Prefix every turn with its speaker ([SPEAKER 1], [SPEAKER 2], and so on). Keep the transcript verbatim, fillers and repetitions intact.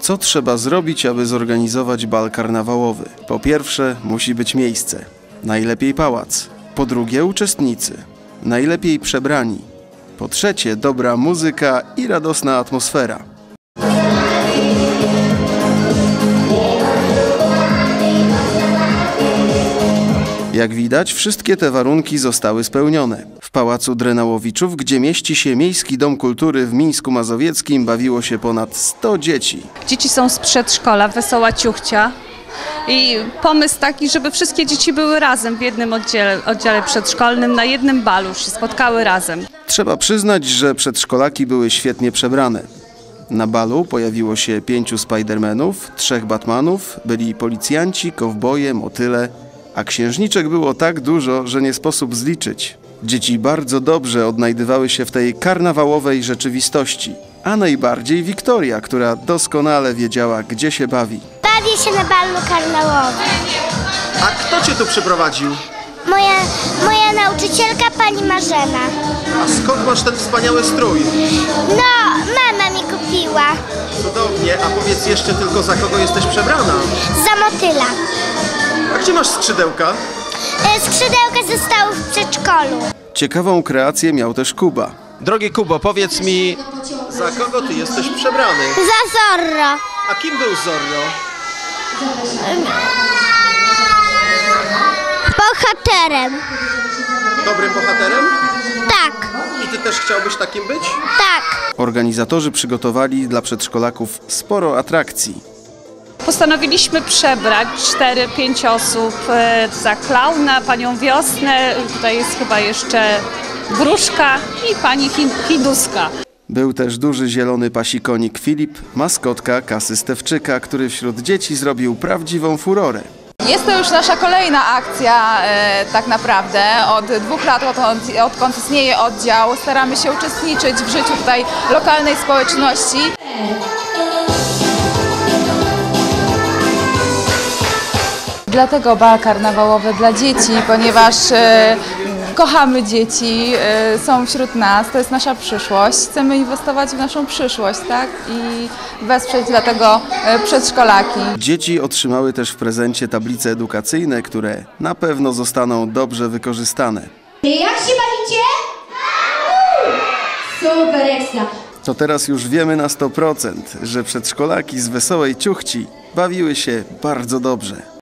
[SPEAKER 1] Co trzeba zrobić, aby zorganizować bal karnawałowy? Po pierwsze, musi być miejsce. Najlepiej pałac. Po drugie, uczestnicy. Najlepiej przebrani. Po trzecie, dobra muzyka i radosna atmosfera. Jak widać, wszystkie te warunki zostały spełnione. W Pałacu Drenałowiczów, gdzie mieści się Miejski Dom Kultury w Mińsku Mazowieckim, bawiło się ponad sto dzieci.
[SPEAKER 2] Dzieci są z przedszkola, Wesoła Ciuchcia. I pomysł taki, żeby wszystkie dzieci były razem w jednym oddziale, oddziale przedszkolnym, na jednym balu się spotkały razem.
[SPEAKER 1] Trzeba przyznać, że przedszkolaki były świetnie przebrane. Na balu pojawiło się pięciu Spidermanów, trzech Batmanów, byli policjanci, kowboje, motyle, a księżniczek było tak dużo, że nie sposób zliczyć. Dzieci bardzo dobrze odnajdywały się w tej karnawałowej rzeczywistości, a najbardziej Wiktoria, która doskonale wiedziała, gdzie się bawi.
[SPEAKER 3] Bawię się na balu karnawałowym.
[SPEAKER 1] A kto cię tu przyprowadził?
[SPEAKER 3] Moja, moja nauczycielka, pani Marzena.
[SPEAKER 1] A skąd masz ten wspaniały strój?
[SPEAKER 3] No, mama mi kupiła.
[SPEAKER 1] Cudownie, a powiedz jeszcze tylko, za kogo jesteś przebrana?
[SPEAKER 3] Za motyla.
[SPEAKER 1] A gdzie masz skrzydełka?
[SPEAKER 3] E, Skrzydełka zostały w przedszkolu.
[SPEAKER 1] Ciekawą kreację miał też Kuba. Drogi Kubo, powiedz mi, za kogo ty jesteś przebrany?
[SPEAKER 3] Za Zorro.
[SPEAKER 1] A kim był Zorro?
[SPEAKER 3] Bohaterem.
[SPEAKER 1] Dobrym bohaterem?
[SPEAKER 3] Tak,
[SPEAKER 1] I ty też chciałbyś takim być?
[SPEAKER 3] tak.
[SPEAKER 1] Organizatorzy przygotowali dla przedszkolaków sporo atrakcji.
[SPEAKER 2] Postanowiliśmy przebrać cztery pięć osób e, za klauna, panią Wiosnę, tutaj jest chyba jeszcze Wróżka i pani Hiduska.
[SPEAKER 1] Był też duży zielony pasikonik Filip, maskotka Kasy Stewczyka, który wśród dzieci zrobił prawdziwą furorę.
[SPEAKER 4] Jest to już nasza kolejna akcja e, tak naprawdę. Od dwóch lat, odkąd, odkąd istnieje oddział, staramy się uczestniczyć w życiu tutaj lokalnej społeczności. Dlatego bal karnawałowy dla dzieci, ponieważ e, kochamy dzieci, e, są wśród nas, to jest nasza przyszłość. Chcemy inwestować w naszą przyszłość, tak? I wesprzeć dlatego e, przedszkolaki.
[SPEAKER 1] Dzieci otrzymały też w prezencie tablice edukacyjne, które na pewno zostaną dobrze wykorzystane.
[SPEAKER 5] Jak się bawicie? Super ekstra!
[SPEAKER 1] To teraz już wiemy na sto procent, że przedszkolaki z Wesołej Ciuchci bawiły się bardzo dobrze.